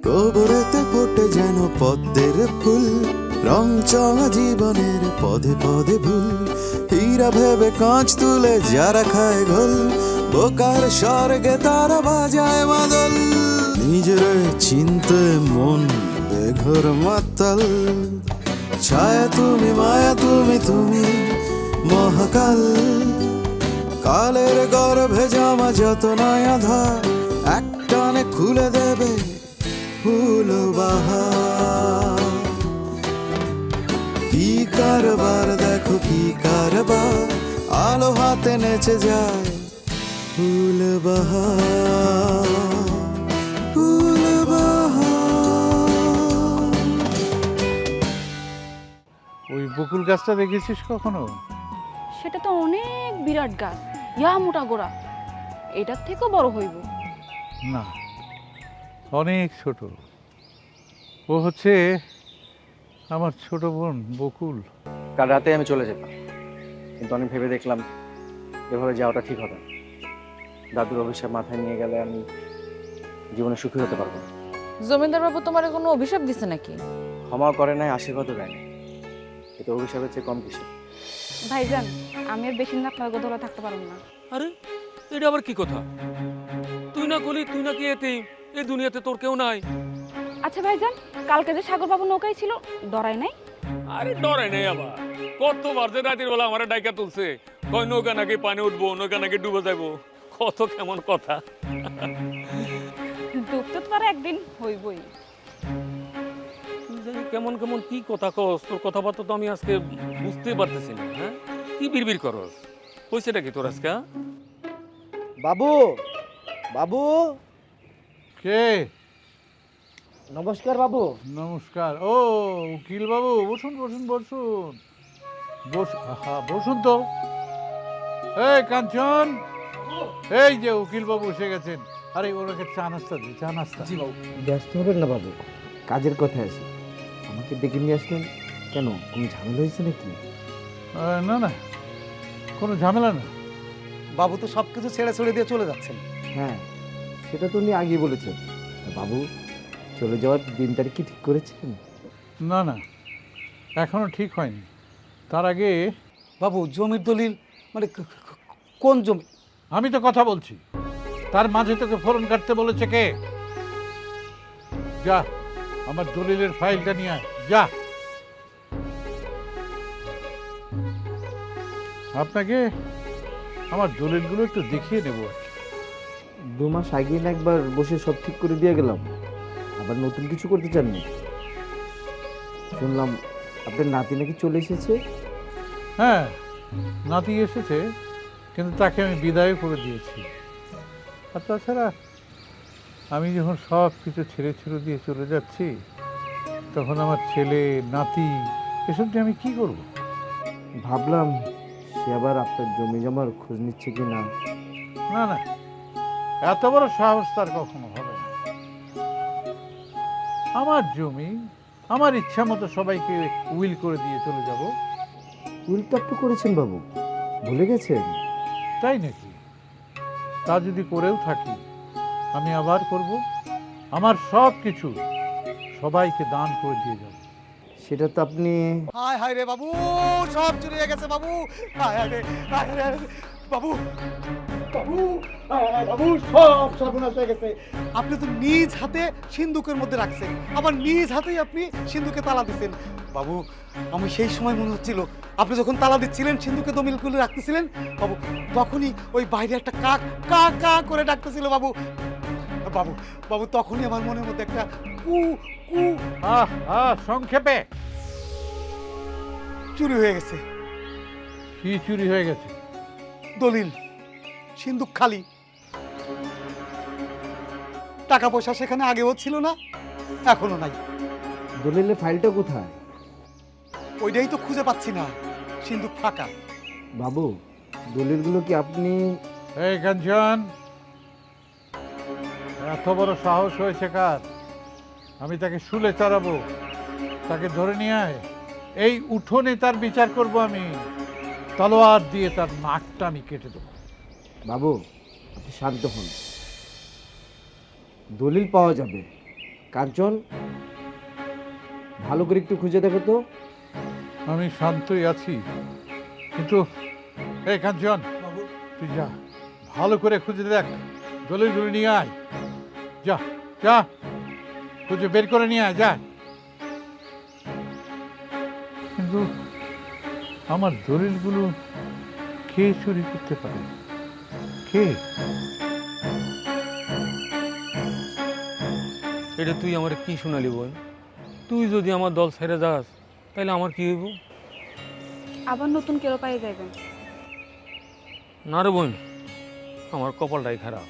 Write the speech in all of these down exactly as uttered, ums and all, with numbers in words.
গোবরেতে ফোটে যেন পদ্মের ফুল, রং চঙা জীবনের পদে পদে ভুল। হীরা ভেবে কাঁচ তুলে যারা খায় ঘোল, বোকার স্বর্গে তারা বাজায় মাদল। নিজের চিনতে মন বেঘর মাতাল, ছায়া তুমি মায়া তুমি তুমি মহাকাল। কালের গর্ভে জামা যত নয়া ধার, একটানে খুলে দেবে ফুল বাহার। কি কারবার দেখো কি কারবার, আলো হাতে নেচে যায় ফুল বাহার, ফুল বাহার। ওই বকুল গাছটা দেখেছিস কখনো? সেটা তো অনেক বিরাট গাছ, ইয়া মোটা গোড়া, এটার থেকেও বড় হইব। না, অনেক ছোট। ও হচ্ছে আমার ছোট বোন বকুল। কাল রাতে আমি চলে যেতাম, কিন্তু আমি ভেবে দেখলাম এভাবে যাওয়াটা ঠিক হবে না। দাদুর অভিশাপ মাথায় নিয়ে গেলে আমি জীবনে সুখী হতে পারবো না। জমিদার বাবু তোমার কোনো অভিশাপ দিছে নাকি? ক্ষমা করে নাই, আশীর্বাদও দেয় নাই, এটা অভিশাপের চেয়ে কম কিছু। ভাইজান, আমি আর বেশি দিন আপনার গোদলা থাকতে পারব না। আরে এটা আবার কি কথা? তুই না কলি তুই নাকি এতে এই দুনিয়াতে তোর কেউ নাই। আচ্ছা ভাইজান, কালকে যে সাগর বাবু নৌকায় ছিল, ডরাই নাই? আরে ডরাই নাই আবার, কতবার যে রাতের বেলা আমার ডাইকা তুলছে, কয় নৌকা নাকি পানি উঠবো, নৌকা নাকি ডুবে যাবো, কত কেমন কথা। ডুবতে তো আর একদিন হইবই। তুই জানি কেমন কেমন কি কথা কস, তোর কথাবার্তা তো আমি আজকে বুঝতেই পারতেছি না। হ্যাঁ, কি বিড়বিড় করস? কইছেটা কি তোর আজকে? বাবু, বাবু, কে? নমস্কার বাবু। নমস্কার। ও উকিল বাবু, বসুন বসুন বসুন বস আহা বসুন তো। এই কাঞ্চন, এই যে উকিল বাবু এসে গেছেন। আরে ওনাকে চা নাস্তা দিই, চা নাস্তা। জি বাবু। ব্যস্ত হবেন না বাবু, কাজের কথায় আছে। আমাকে ডেকে নিয়ে আসলেন কেন? কোনো ঝামেলা হয়েছে নাকি? আহ, না না, কোনো ঝামেলা না। বাবু তো সব কিছু ছেড়ে ছেড়ে দিয়ে চলে যাচ্ছেন। হ্যাঁ, সেটা তো উনি আগেই বলেছেন। বাবু, চলে যাওয়ার দিন তারিখ কি ঠিক করেছেন? না না, এখনো ঠিক হয়নি। তার আগে বাবু, জমির দলিল মানে ক- ক- কোন জমি? আমি তো কথা বলছি, তার মাঝে তোকে ফোরন কাটতে বলেছে কে? যা আমার দলিলের ফাইলটা নিয়ে আয়, যা। আপনাকে আমার দলিলগুলো একটু দেখিয়ে নেব আর কি। দু মাস আগে না একবার বসে সব ঠিক করে দিয়ে গেলাম, আবার নতুন কিছু করতে চাননি? শুনলাম আপনার নাতি নাকি চলে এসেছে। হ্যাঁ, নাতি এসেছে, কিন্তু তাকে আমি বিদায় করে দিয়েছি। আর তাছাড়া আমি যখন সব কিছু ছেড়ে ছেড়ে দিয়ে চলে যাচ্ছি, তখন আমার ছেলে নাতি এসব দিয়ে আমি কি করব? ভাবলাম সে আবার আপনার জমি জমার খোঁজ নিচ্ছে কি না। না না, এত বড় সাহস তার কখনো হবে না। আমার জমি আমার ইচ্ছা মতো সবাইকে উইল করে দিয়ে চলে যাব। উইল তো আপনি করেছেন বাবু, ভুলে গেছেন? তাই নাকি? তা যদি করেও থাকি, আমি আবার করব, আমার সব কিছু সবাইকে দান করে দিয়ে যাব। সেটা তো আপনি হায় হায় রে বাবু, সব চুরি হয়ে গেছে বাবু। হায় হায় রে, হায় হায় রে, বাবু, বাবু, হায় হায় বাবু, সব সর্বনাশ হয়ে গেছে। আপনি তো নিজ হাতে সিন্ধুকের মধ্যে রাখছেন, আবার নিজ হাতেই আপনি সিন্ধুকে তালা দিচ্ছেন। বাবু, আমি সেই সময় মনে হচ্ছিল আপনি যখন তালা দিচ্ছিলেন, সিন্ধুকে দমিল খুলে রাখতেছিলেন বাবু, তখনই ওই বাইরে একটা কাক কা কা করে ডাকতেছিল বাবু। বাবু, বাবু, তখনই আমার মনের মধ্যে একটা কু কু আহ আহ সংক্ষেপে চুরি হয়ে গেছে। কি চুরি হয়ে গেছে? দলিল, সিন্ধুক খালি, টাকা পয়সা সেখানে আগেও ছিল না, এখনো নাই। দলিলের ফাইলটা কোথায়? ওইটাই তো খুঁজে পাচ্ছি না, সিন্ধুক ফাঁকা। বাবু, দলিলগুলো কি আপনি? এই কাঞ্চন, এত বড় সাহস হয়েছে কার? আমি তাকে শুলে চড়াবো, তাকে ধরে নিয়ে আয়, এই উঠোনে তার বিচার করব আমি। তলোয়ার দিয়ে তার নাকটা আমি কেটে দেবো। বাবু, আপনি শান্ত হন, দলিল পাওয়া যাবে, কাঞ্চন, ভালো করে একটু খুঁজে দেখো তো। আমি শান্তই আছি, কিন্তু এই কাঞ্চন, তুই যা, ভালো করে খুঁজে দেখ, দলিলগুলো নিয়ে আয়। যা যা, খুঁজে বের করে নিয়ে আয়, যা। কিন্তু আমার দলিলগুলো কে চুরি করতে পারে? কে? এটা তুই আমার কি শোনালি বোন? তুই যদি আমার দল ছেড়ে যাস তাহলে আমার কি হইব? আবার নতুন কেউ পাই যাবেন। না রে বোন, আমার কপালটাই খারাপ।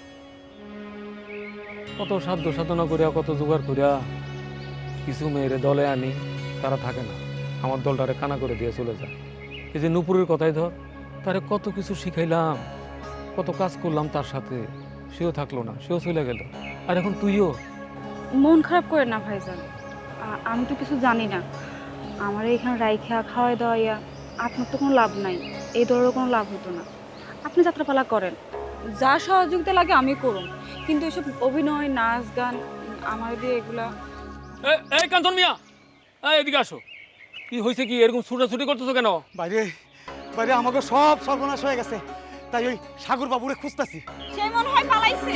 কত সাধ্য সাধনা করিয়া, কত জোগাড় করিয়া কিছু মেয়েরে দলে আনি, তারা থাকে না, আমার দলটারে কানা করে দিয়ে চলে যায়। এই যে নুপুরের কথাই ধর, তারে কত কিছু শিখাইলাম, কত কাজ করলাম তার সাথে, সেও থাকলো না, সেও চলে গেল। আর এখন তুইও। মন খারাপ করে না ভাইজান, আ- আমি তো কিছু জানি না। আমার এখানে রাইখা খাওয়াই দাওয়াইয়া আপনার তো কোনো লাভ নাই, এই দলেরও কোনো লাভ হতো না। আপনি যাত্রাপালা করেন, যা সহযোগিতা লাগে আমি করুন, কিন্তু এসব অভিনয়, নাচ, গান আমার দিয়ে এগুলা। এ- এই কাঞ্চন মিয়া, এই এদিকে আসো। কি হয়েছে? কি এরকম ছুটাছুটি করতেছো কেন? বাইরে বাইরে আমাকে সব সর্বনাশ হয়ে গেছে, তাই ওই সাগর বাবুরে খুঁজতেছি। সে মনে হয় পালাইছে।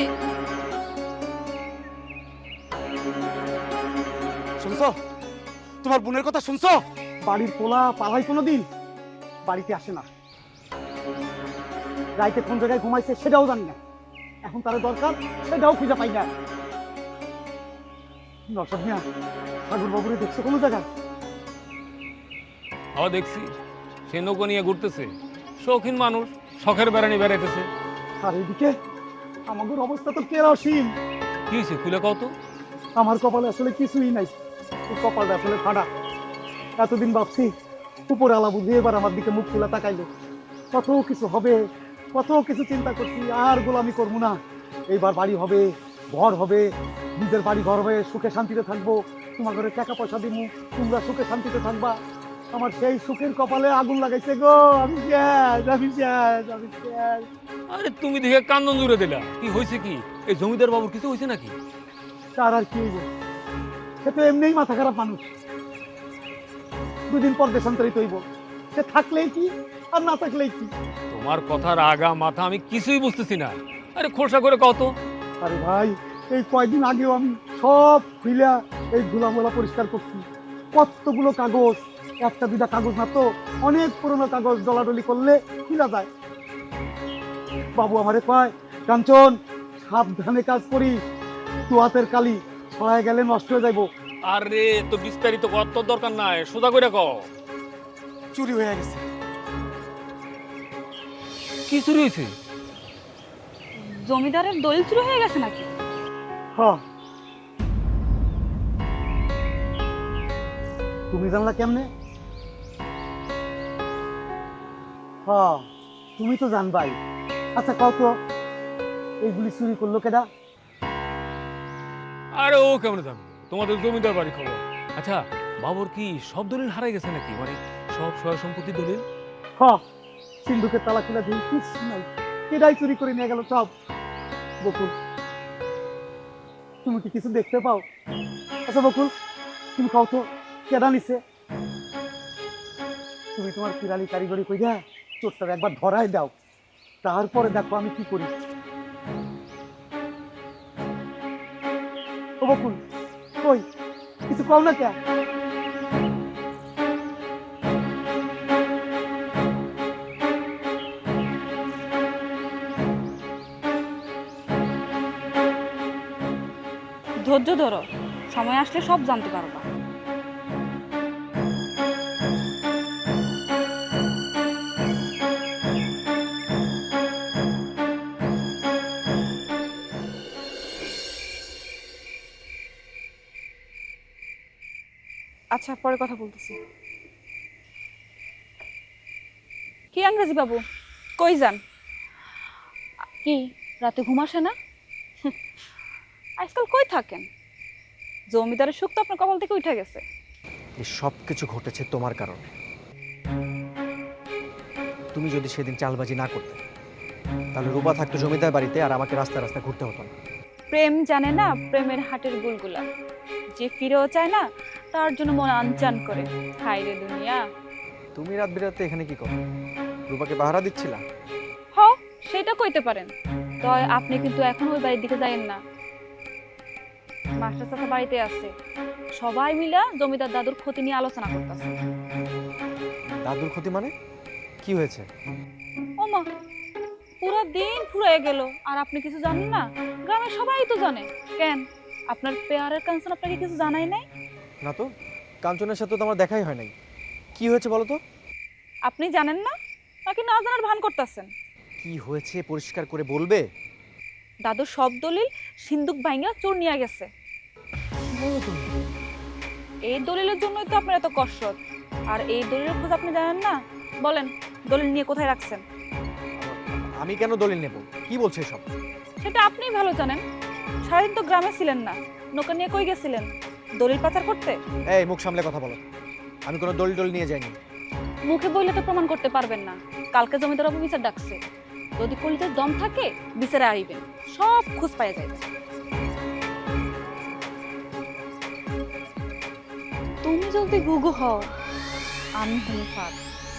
শুনছো? তোমার বোনের কথা শুনছো? বাড়ির পোলা পালাই কোনোদিন বাড়িতে আসে না, রাইতে কোন জায়গায় ঘুমাইছে সেটাও জানি না। এখন তার দরকার, সেটাও খুঁজে পাই না। নরসাদ মিয়া, সাগর বাবুরে দেখছো কোনো জায়গায়? হাওয়া দেখছি, সে নৌকো নিয়ে ঘুরতেছে, শৌখিন মানুষ, শখের বেড়ানি বেড়াইতেছে। আর এদিকে আমাদের অবস্থা তো কেরোসিন। কি হয়েছে খুলে কও তো? আমার কপালে আসলে কিছুই নাই, এই কপালটা আসলে ফাটা। এতদিন ভাবছি উপরে আলা বুঝি, এবার আমার দিকে মুখ তুলে তাকাইলো। কত কিছু হবে, কত কিছু চিন্তা করছি, আর গোলামি করবো না। এইবার বাড়ি হবে, ঘর হবে, নিজের বাড়ি ঘর হবে, সুখে শান্তিতে থাকবো। তোমার ঘরে টাকা পয়সা দিবো, তোমরা সুখে শান্তিতে থাকবা। আমার সেই সুখের কপালে আগুন লাগাইছে গো। আমি শেষ, আমি শেষ, আমি শেষ। আরে তুমি দেখে কান্দন জুড়ে দিলা। কি হয়েছে? কি এই জমিদার বাবুর কিছু হয়েছে নাকি? তার আর কি হইব, সে তো এমনিই মাথা খারাপ মানুষ। দুদিন পর দেশান্তরিত হইব, সে থাকলেই কি আর না থাকলেই কি। তোমার কথার আগা মাথা আমি কিছুই বুঝতেছি না। আরে খোলসা করে কও তো। আরে ভাই, এই কয়দিন আগেও আমি সব খুইলা এই ধুলামোলা পরিষ্কার করছি। কতগুলো কাগজ, একটা দুটা কাগজ না তো, অনেক পুরনো কাগজ ডলাডলি করলে খুলা যায়। বাবু আমারে কয়, কাঞ্চন সাবধানে কাজ করিস, তু হাতের কালি ছড়ায় গেলে নষ্ট হয়ে যাইব। আরে তো বিস্তারিত কত দরকার নাই, সোজা করে কও। চুরি হয়ে গেছে। কি চুরি হয়েছে? জমিদারের দলিল চুরি হয়ে গেছে নাকি? হ্যাঁ। তুমি জানলা কেমনে? হ্যাঁ, তুমি তো জানবাই। আচ্ছা কও তো, এইগুলি চুরি করলো কেডা? আরে ও কেমন জানো, তোমাদের জমিদার বাড়ি খবর। আচ্ছা বাবুর কি সব দলিল হারাই গেছে নাকি? মানে সব সয় সম্পত্তি দলিল? হ্যাঁ, সিন্ধুকের তালা খুলে দিই, কিছু নাই, কেডাই চুরি করে নিয়ে গেল সব। বকুল, তুমি কি কিছু দেখতে পাও? আচ্ছা বকুল, তুমি কও তো কেডা নিছে? তুমি তোমার কিরালি কারিগরি কইরা চোরটার একবার ধরাই দাও, তারপরে দেখো আমি কি করি। ও বকুল, কই কিছু কও না কে? ধৈর্য ধরো, সময় আসলে সব জানতে পারবা। আচ্ছা, পরে কথা বলতেছি। কি ইংরেজি বাবু, কই যান? কি রাতে ঘুম আসে না? আজকাল কই থাকেন? জমিদারের সুখ তো আপনার কপাল থেকে উঠে গেছে। এই সব কিছু ঘটেছে তোমার কারণে। তুমি যদি সেদিন চালবাজি না করতে, তাহলে রূপা থাকতো জমিদার বাড়িতে, আর আমাকে রাস্তা রাস্তা ঘুরতে হতো না। প্রেম জানে না প্রেমের হাটের গুলগুলা। যে ফিরেও চায় না তার জন্য মন আনচান করে। হায় রে দুনিয়া। তুমি রাত বিরাতে এখানে কি করো? রূপাকে পাহারা দিচ্ছিলা? হ, সেটা কইতে পারেন। তয় আপনি কিন্তু এখন ওই বাড়ির দিকে যাইয়েন না। মাস্টার চাচা বাড়িতে আছে, সবাই মিলা জমিদার দাদুর ক্ষতি নিয়ে আলোচনা করতেছে। দাদুর ক্ষতি মানে কি হয়েছে? ওমা, পুরো দিন ফুরায় গেল আর আপনি কিছু জানেন না? গ্রামের সবাই তো জানে। কেন, আপনার পেয়ারের কাঞ্চন আপনাকে কিছু জানাই নাই? না তো, কাঞ্চনের সাথে তো আমার দেখাই হয় নাই। কি হয়েছে বলো তো? আপনি জানেন না নাকি না জানার ভান করতেছেন? কি হয়েছে পরিষ্কার করে বলবে? দাদুর সব দলিল সিন্দুক ভাঙা চোর নিয়ে গেছে। এই দলিলের জন্যই তো আপনার এত কষ্ট। আর এই দলিলের খোঁজ আপনি জানেন না? বলেন, দলিল নিয়ে কোথায় রাখছেন? আমি কেন দলিল নেব? কি বলছে সব? সেটা আপনিই ভালো জানেন। সারাদিন তো গ্রামে ছিলেন না, নৌকা নিয়ে কই গেছিলেন? দলিল পাচার করতে? এই মুখ সামলে কথা বলো। আমি কোনো দলিল টলিল নিয়ে যাইনি। মুখে বললে তো প্রমাণ করতে পারবেন না। কালকে জমিদার বাবু বিচার ডাকছে, যদি কলিজার দম থাকে বিচারে আইবেন, সব খোঁজ পাওয়া যাবে। তুমি যদি গুগু হও, আমি হই ফাঁদ।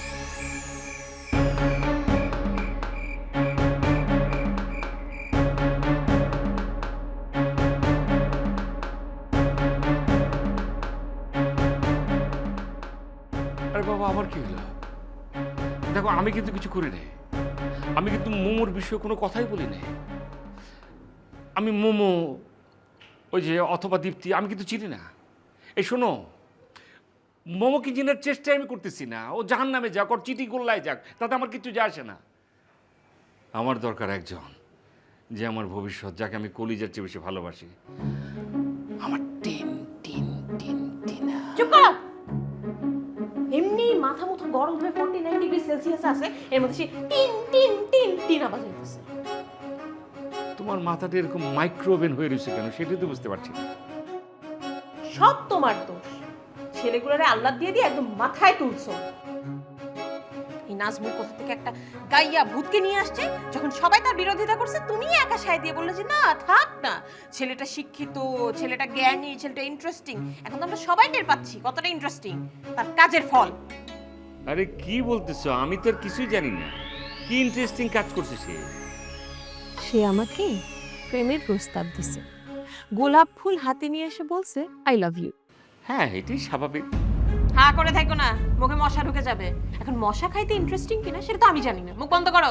আরে বাবা, আমার কি হলো? দেখো, আমি কিন্তু কিছু করি নাই। আমি কিন্তু মোমোর বিষয়ে কোনো কথাই বলি নাই। আমি মোমো, ওই যে অথবা দীপ্তি, আমি কিন্তু চিনি না। এই শোনো, মোমোকে চিনার চেষ্টাই আমি করতেছি না। ও জাহান নামে যাক, ওর চিঠি গোল্লায় যাক, তাতে আমার কিছু যায় আসে না। আমার দরকার একজন যে আমার ভবিষ্যৎ, যাকে আমি কলিজার চেয়ে বেশি ভালোবাসি। আমার টিন টিন টিন টিনা। চুপ করো। এমনি মাথা মুথা গরম হয়ে ফর্টি নাইন ডিগ্রি সেলসিয়াস আছে, এর মধ্যে সে টিন টিন টিন টিন আওয়াজ হইতেছে। তোমার মাথাটা এরকম মাইক্রোওভেন হয়ে রয়েছে কেন, সেটাই তো বুঝতে পারছি না। সব তোমার দোষ। ছেলেগুলোরে আল্লাহ দিয়ে দিয়ে একদম মাথায় তুলছো। এই নাজমুল কোথা থেকে একটা গাইয়া ভূতকে নিয়ে আসছে, যখন সবাই তার বিরোধিতা করছে তুমি একা সায় দিয়ে বললে যে না থাক না, ছেলেটা শিক্ষিত, ছেলেটা জ্ঞানী, ছেলেটা ইন্টারেস্টিং। এখন তো আমরা সবাই টের পাচ্ছি কতটা ইন্টারেস্টিং, তার কাজের ফল। আরে কি বলতেছো? আমি তো আর কিছুই জানি না। কি ইন্টারেস্টিং কাজ করছে সে? সে আমাকে প্রেমের প্রস্তাব দিছে, গোলাপ ফুল হাতে নিয়ে এসে বলছে আই লাভ ইউ। হ্যাঁ, এটাই স্বাভাবিক। হ্যাঁ করে থাকো না, মুখে মশা ঢুকে যাবে। এখন মশা খাইতে ইন্টারেস্টিং কিনা সেটা তো আমি জানি না। মুখ বন্ধ করো।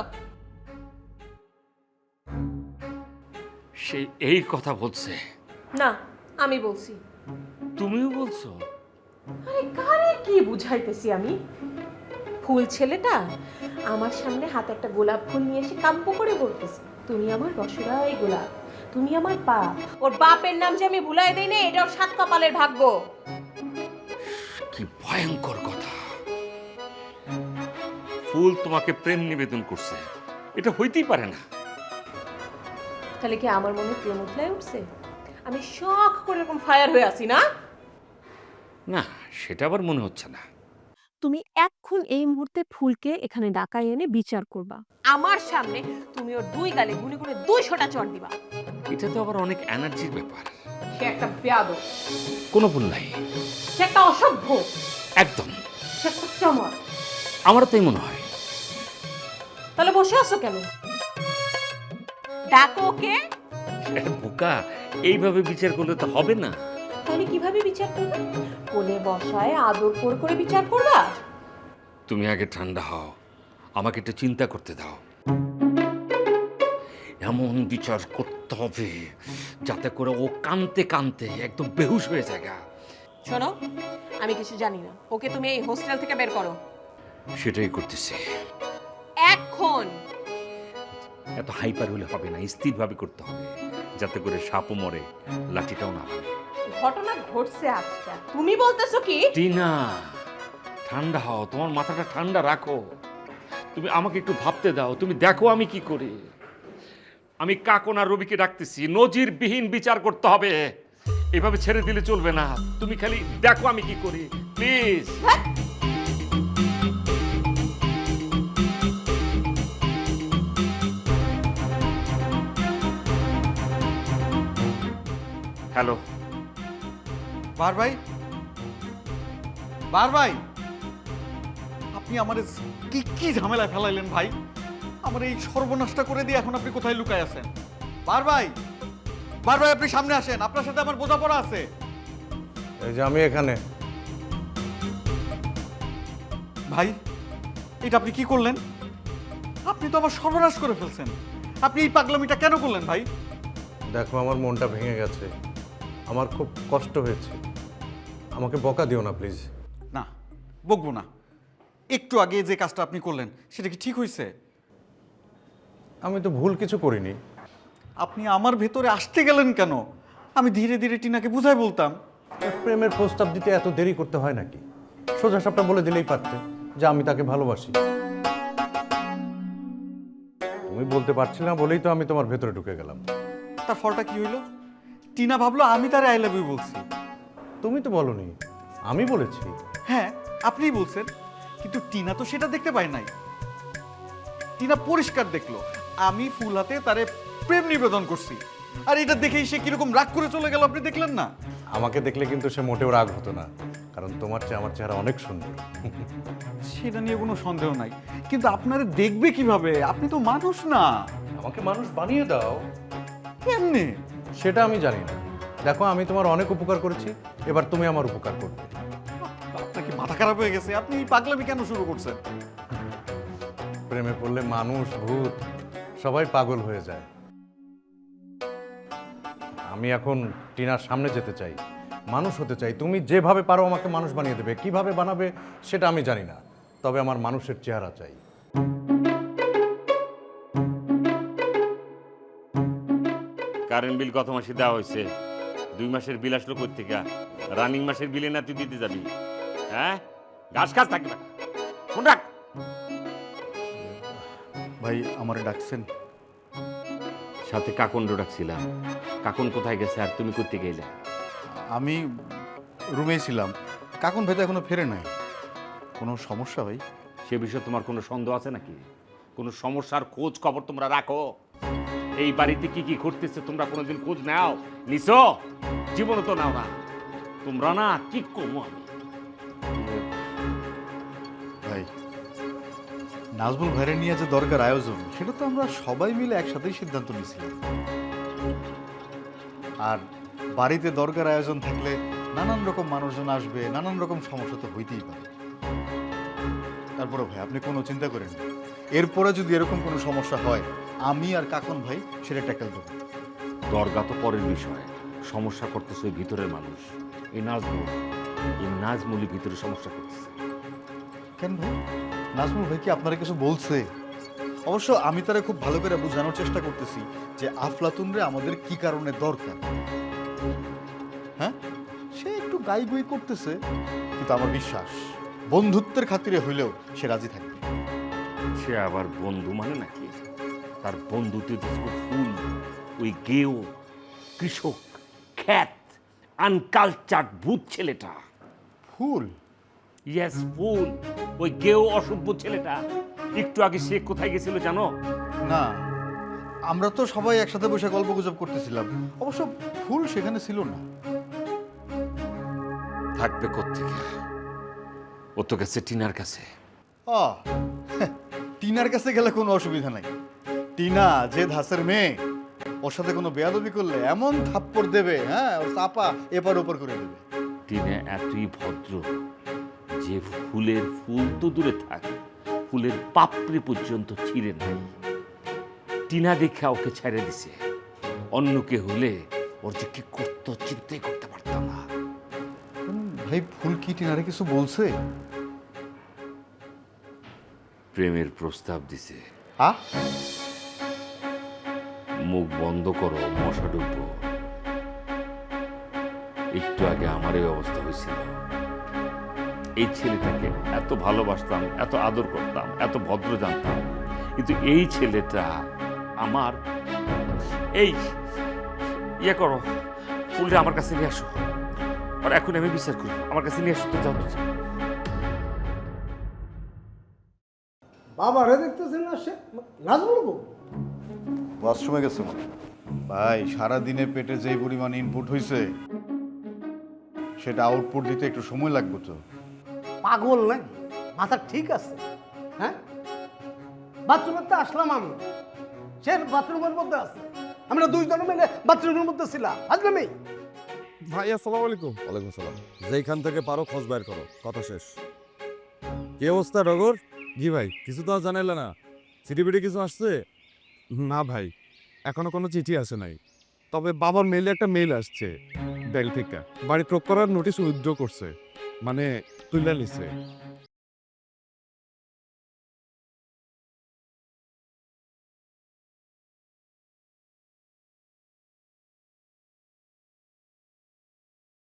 সে এই কথা বলছে? না, আমি বলছি। তুমিও বলছো? আরে কারে কি বুঝাইতেছি আমি? ফুল ছেলেটা আমার সামনে হাতে একটা গোলাপ ফুল নিয়ে এসে কাম্প করে বলতেছে তুমি আমার রসরাই গোলাপ, তুমি আমার বাপ। ওর বাপের নাম যে আমি ভুলাই দেই না, এটা ওর সাত কপালের ভাগ্য। কি ভয়ঙ্কর কথা! ফুল তোমাকে প্রেম নিবেদন করছে, এটা হইতেই পারে না। তাহলে কি আমার মনে প্রেম উঠলাই উঠছে? আমি শখ করে এরকম ফায়ার হয়ে আছি না? না, সেটা আবার মনে হচ্ছে না। তুমি এক্ষুন এই মুহূর্তে ফুলকে এখানে ডাকাই এনে বিচার করবা। আমার সামনে তুমি ওর দুই গালে গুলি করে দুইশোটা চড় দিবা। এটা তো আবার অনেক এনার্জির ব্যাপার। সে একটা বেয়াদব, কোনো ভুল নাই। সে একটা অসভ্য, একদম। সে একটা চমর। আমারও তাই মনে হয়। তাহলে বসে আছো কেন? ডাকো ওকে। বোকা, এইভাবে বিচার করলে তো হবে না। তাহলে কিভাবে বিচার করবে? কোলে বসায় আদর করে করে বিচার করবা? তুমি আগে ঠান্ডা হও, আমাকে একটু চিন্তা করতে দাও। এমন বিচার করতে হবে যাতে করে ও কানতে কানতে একদম বেহুশ হয়ে যায়। শোনো, আমি কিছু জানি না, ওকে তুমি এই হোস্টেল থেকে বের করো। সেটাই করতেছি এখন। এত হাইপার হলে হবে না, স্থিরভাবে করতে হবে যাতে করে সাপও মরে, লাঠিটাও না ভাঙে। ঘটনা ঘটছে আজকে, তুমি বলতেছো কি? টিনা, ঠান্ডা হও, তোমার মাথাটা ঠান্ডা রাখো। তুমি আমাকে একটু ভাবতে দাও, তুমি দেখো আমি কি করি। আমি কাকন আর রবিকে ডাকতেছি, নজিরবিহীন বিচার করতে হবে, এভাবে ছেড়ে দিলে চলবে না। তুমি খালি দেখো আমি কি করি, প্লিজ। হ্যালো, বার ভাই, বার ভাই, আপনি আমার কি কি ঝামেলায় ফেলাইলেন ভাই? আমার এই সর্বনাশটা করে দিয়ে এখন আপনি কোথায় লুকায় আছেন? বার ভাই, বার ভাই, আপনি সামনে আসেন, আপনার সাথে আমার বোঝাপড়া আছে। এই যে আমি এখানে। ভাই, এটা আপনি কি করলেন? আপনি তো আমার সর্বনাশ করে ফেলছেন। আপনি এই পাগলামিটা কেন করলেন ভাই? দেখো, আমার মনটা ভেঙে গেছে, আমার খুব কষ্ট হয়েছে, আমাকে বকা দিও না প্লিজ। না, বকবো না। একটু আগে যে কাজটা আপনি করলেন সেটা কি ঠিক হয়েছে? আমি তো ভুল কিছু করিনি। আপনি আমার ভেতরে আসতে গেলেন কেন? আমি ধীরে ধীরে টিনাকে বুঝাই বলতাম। প্রেমের প্রস্তাব দিতে এত দেরি করতে হয় নাকি? সোজা সাপটা বলে দিলেই পারতে যে আমি তাকে ভালোবাসি। তুমি বলতে পারছিলে না বলেই তো আমি তোমার ভেতরে ঢুকে গেলাম। তার ফলটা কি হইলো? টিনা ভাবলো আমি তারে আই লাভ ইউ বলছি। তুমি তো বলনি, আমি বলেছি। হ্যাঁ, আপনিই বলছেন, কিন্তু টিনা তো সেটা দেখতে পায় নাই। টিনা পরিষ্কার দেখলো আমি ফুল হাতে তারে প্রেম নিবেদন করছি, আর এটা দেখেই সে কিরকম রাগ করে চলে গেল, আপনি দেখলেন না? আমাকে দেখলে কিন্তু সে মোটেও রাগ হতো না, কারণ তোমার চেয়ে আমার চেহারা অনেক সুন্দর। সেটা নিয়ে কোনো সন্দেহ নাই, কিন্তু আপনারে দেখবে কিভাবে? আপনি তো মানুষ না। আমাকে মানুষ বানিয়ে দাও। কেমনে? সেটা আমি জানি না। দেখো, আমি তোমার অনেক উপকার করেছি, এবার তুমি আমার উপকার করবে। আপনার কি মাথা খারাপ হয়ে গেছে? আপনি এই পাগলামি কেন শুরু করছেন? প্রেমে পড়লে মানুষ, ভূত সবাই পাগল হয়ে যায়। আমি এখন টিনার সামনে যেতে চাই, মানুষ হতে চাই। তুমি যেভাবে পারো আমাকে মানুষ বানিয়ে দেবে, কিভাবে বানাবে সেটা আমি জানি না, তবে আমার মানুষের চেহারা চাই। কারেন্ট বিল কত মাসে দেওয়া হয়েছে? দুই মাসের বিল আসলো কই থেকে? রানিং মাসের বিলে না তুই দিতে যাবি? হ্যাঁ, ঘাস খাস থাকবে না। ফোন রাখ। ভাই, আমারে ডাকছেন? সাথে কাকন্ড ডাকছিলাম। কাকন কোথায় গেছে আর তুমি করতে গেলে? আমি রুমেই ছিলাম। কাকুন ভাই তো এখনো ফেরে নাই। কোনো সমস্যা ভাই? সে বিষয়ে তোমার কোনো সন্দেহ আছে নাকি? কোনো সমস্যার খোঁজ খবর তোমরা রাখো? এই বাড়িতে কি কি ঘটতেছে তোমরা কোনোদিন খোঁজ নাও? নিছো? জীবনে তো নাও না তোমরা। না কি করবো আমি? ভাই, নাজমুল ভাইরে নিয়ে যে দরকার আয়োজন, সেটা তো আমরা সবাই মিলে একসাথেই সিদ্ধান্ত নিয়েছিলাম। আর বাড়িতে দরকার আয়োজন থাকলে নানান রকম মানুষজন আসবে, নানান রকম সমস্যা তো হইতেই পারে। তারপরে ভাই, আপনি কোনো চিন্তা করেন না। এরপরে যদি এরকম কোনো সমস্যা হয়, আমি আর কাকন ভাই সেটা ট্যাকেল দেবো। দরগা তো পরের বিষয়, সমস্যা করতেছে ওই ভিতরের মানুষ। এই নাজমুল, এই নাজমুলি ভিতরে সমস্যা করতেছে। কেন ভাই? নাজমুল ভাই কি আপনারা কিছু বলছে? অবশ্য আমি তারা খুব ভালো করে বোঝানোর চেষ্টা করতেছি যে আফলাতুন রে আমাদের কি কারণে দরকার। হ্যাঁ, সে একটু গাই গুই করতেছে, কিন্তু আমার বিশ্বাস বন্ধুত্বের খাতিরে হইলেও সে রাজি থাকবে। সে আবার বন্ধু মানে নাকি? তার বন্ধুতে ফুল, ওই গেও কৃষক খ্যাত আনকালচার্ড ভূত ছেলেটা। ফুল? Yes, fool. ওই গেও অসভ্য ছেলেটা একটু আগে সে কোথায় গেছিল জানো? না, আমরা তো সবাই একসাথে বসে গল্প গুজব করতেছিলাম। অবশ্য ফুল সেখানে ছিল না। থাকবে কোত্থেকে? ও তো গেছে টিনার কাছে। ও, টিনার কাছে গেলে কোনো অসুবিধা নাই। টিনা যে ধাসের মেয়ে, ওর সাথে কোনো বেয়াদবি করলে এমন থাপ্পড় দেবে, হ্যাঁ, ওর চাপা এপার ওপর করে দেবে। টিনা এতই ভদ্র যে ফুলের ফুল তো দূরে থাক, ফুলের পাপড়ি পর্যন্ত ছিঁড়ে নাই। টিনা দেখা ওকে ছেড়ে দিছে। অন্য কে হলে ওর যে কি করতো চিন্তাই করতে পারতাম না। ভাই, ফুল কি টিনারে কিছু বলছে? প্রেমের প্রস্তাব দিছে। আ মুখ বন্ধ করো, মশা ডুববো। একটু আগে আমার এই অবস্থা হয়েছিল। এই ছেলেটাকে এত ভালোবাসতাম, এত আদর করতাম, এত ভদ্র জানতাম, কিন্তু এই ছেলেটা আমার এই ইয়ে করো, ফুলটা আমার কাছে নিয়ে আসো। আর এখন আমি বিচার করি, আমার কাছে নিয়ে আসো তো, যাও তো। বাবা রে দেখতেছেন না, সে নাজমুল বউ ওয়াশরুমে গেছে মনে। ভাই, সারা দিনে পেটে যেই পরিমাণ ইনপুট হয়েছে সেটা আউটপুট দিতে একটু সময় লাগবে তো। পাগল নাকি? মাথা ঠিক আছে? হ্যাঁ, বাথরুমের তো আসলাম আমি, সে বাথরুমের মধ্যে আছে, আমরা দুইজন মিলে বাথরুমের মধ্যে ছিলাম, আসলাম এই। ভাই আসসালামু আলাইকুম। ওয়ালাইকুম সালাম। যেখান থেকে পারো খোঁজ বাইর করো, কথা শেষ। কি অবস্থা ডগর? জি ভাই, কিছু তো আর জানাইলে না। চিঠি পিঠি কিছু আসছে? না ভাই, এখনো কোনো চিঠি আসে নাই, তবে বাবার মেইলে একটা মেইল আসছে ব্যাংক থেকে, বাড়ি ক্রপ করার নোটিশ উইথড্র করছে, মানে তুলে নিছে।